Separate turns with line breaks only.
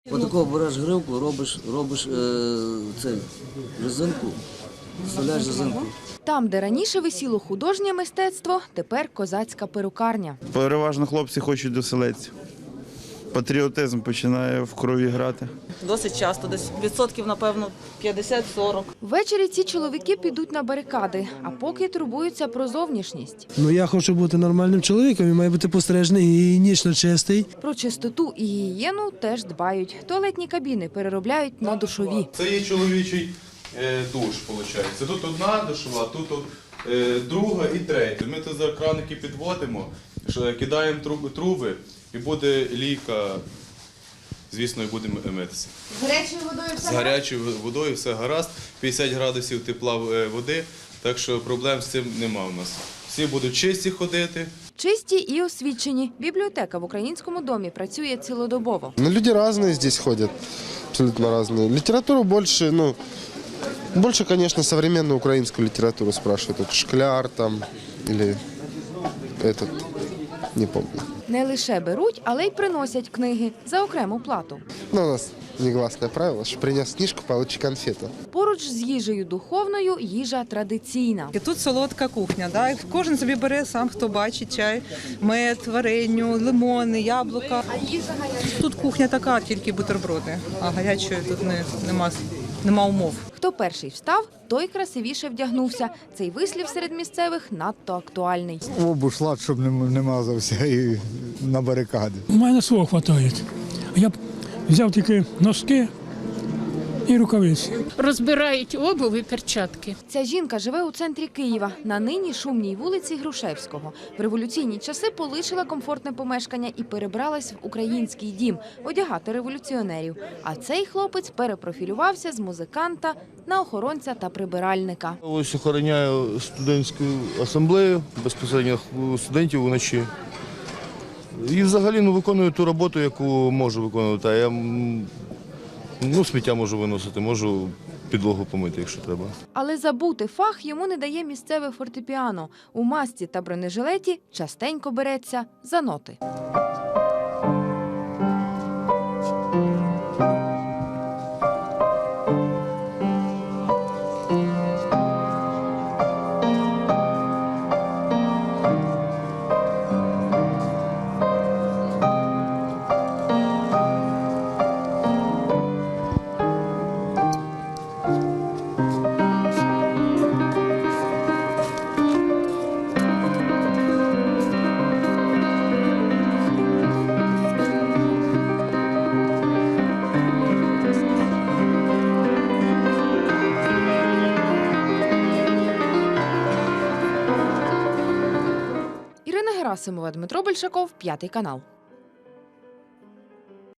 Отако береш гривку, робиш резинку, вставляєш резинку.
Там, де раніше висіло художнє мистецтво, тепер козацька перукарня.
Переважно хлопці хочуть до селеців. Патріотизм починає в крові грати.
Досить часто, десь відсотків, напевно, 50-40.
Ввечері ці чоловіки підуть на барикади, а поки турбуються про зовнішність.
Я хочу бути нормальним чоловіком, він має бути постережний і гігієнічно чистий.
Про чистоту і гігієну теж дбають. Туалетні кабіни переробляють на душові.
Це є чоловічий душ, виходить. Тут одна душова, тут друга і третя. Ми тут за краники підводимо, кидаємо труби і буде лійка, звісно, і будемо митися.
З гарячою водою все?
З гарячою водою все гаразд, 50 градусів тепла води, так що проблем з цим нема у нас. Всі будуть чисті ходити.
Чисті і освічені. Бібліотека в Українському домі працює цілодобово.
Люди разные здесь ходят, абсолютно разные. Литературу больше, конечно, современную украинскую литературу спрашивают. Вот Шкляр там или этот, не помню.
Не лише беруть, але й приносять книги за окрему плату.
У нас негласное правило, что принес книжку, получи конфету.
Поруч з їжею духовною – їжа традиційна.
І тут солодка кухня. Да? Кожен собі бере сам, хто бачить, чай, мед, вареню, лимони, яблука.
А їжа гаряча?
Тут кухня така, тільки бутерброди, а гарячої тут нема умов.
Хто перший встав, той красивіше вдягнувся. Цей вислів серед місцевих надто актуальний.
Обушлат, щоб не мазався і на барикади.
У мене свого вистачає. Я б взяв тільки носки і рукавиці.
Розбирають обув і перчатки.
Ця жінка живе у центрі Києва, на нині шумній вулиці Грушевського. В революційні часи полишила комфортне помешкання і перебралась в український дім одягати революціонерів. А цей хлопець перепрофілювався з музиканта на охоронця та прибиральника.
Ось охороняю студентську асамблею, безпосередньо студентів вночі. І взагалі виконую ту роботу, яку можу виконувати. Я сміття можу виносити, можу підлогу помити, якщо треба.
Але забути фах йому не дає місцеве фортепіано. У масці та бронежилеті частенько береться за ноти. Ірина Герасимова, Дмитро Большаков, 5 канал.